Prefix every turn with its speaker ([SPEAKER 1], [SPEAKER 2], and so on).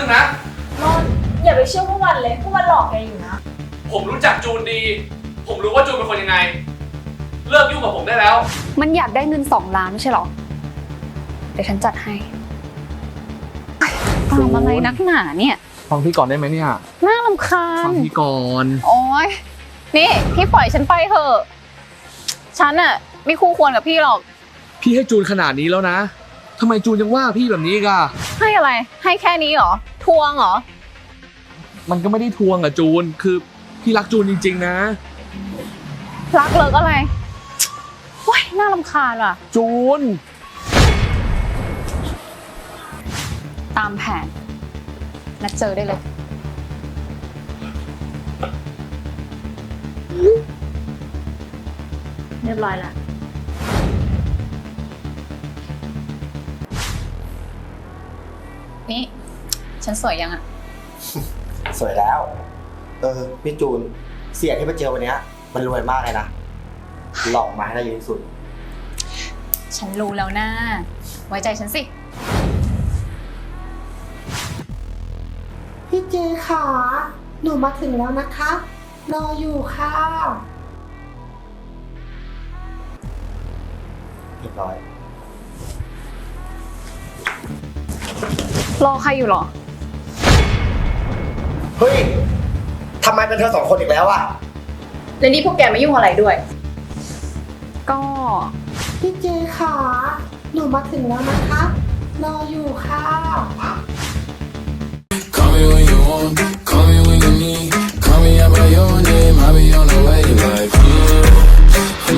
[SPEAKER 1] นะ
[SPEAKER 2] นนท์อย่าไปเชื่อพวกมันเลยพวกมันหลอกแกอยู่นะ
[SPEAKER 1] ผมรู้จักจูนดี ผมรู้ว่าจูนเป็นคนยังไง เลิกยุ่งกับผมได้แล้ว
[SPEAKER 3] มันอยากได้เงิน2 ล้านไม่ใช่หรอ เดี๋ยวฉันจัดให้ตามอะไรนักหนาเนี่ย
[SPEAKER 4] ฟังพี่ก่อนได้ไหมเนี่ย
[SPEAKER 3] น่ารำคา
[SPEAKER 4] ฟั
[SPEAKER 3] ญ
[SPEAKER 4] งพี่ก่อน
[SPEAKER 3] โอ๊ย นี่พี่ปล่อยฉันไปเถอะ ฉันอะไม่คู่ควรกับพี่หรอก
[SPEAKER 4] พี่ให้จูนขนาดนี้แล้วนะทำไมจูนยังว่าพี่แบบนี้อีกอะ
[SPEAKER 3] ให้อะไร ให้แค่นี้เหรอ ทวงเหรอ
[SPEAKER 4] มันก็ไม่ได้ทวงอะจูน คือพี่รักจูนจริงๆนะ
[SPEAKER 3] รักเลิกอะไรโอ๊ยน่ารำคาญว่ะ
[SPEAKER 4] จูน
[SPEAKER 3] ตามแผน นัดเจอได้เลย
[SPEAKER 2] เรียบร้อยละ
[SPEAKER 3] นี่ ฉันสวยยังอะ
[SPEAKER 5] สวยแล้ว พี่จูน เสียที่มาเจอวันเนี้ยมันรวยมากเลยนะ หลอกมาให้ได้เยอะที่สุด
[SPEAKER 3] ฉันรู้แล้วนะไว้ใจฉันสิ
[SPEAKER 6] พี่เจค่ะ หนูมาถึงแล้วนะคะ รออยู่ค่ะ
[SPEAKER 5] เรียบร้อย
[SPEAKER 3] รอใครอยู่หรอ
[SPEAKER 5] เฮ้ย ทำไมเป็นเธอสองคนอีกแล้วอะ
[SPEAKER 2] แล้วนี่พวกแกมายุ่งอะไรด้วย
[SPEAKER 3] ก็
[SPEAKER 6] พี่เจค่ะ หนูมาถึงแล้วนะคะ รออยู่ค่ะ
[SPEAKER 7] Call me when you want, call me when you need. Call me out by your name, I'll be on the way. Like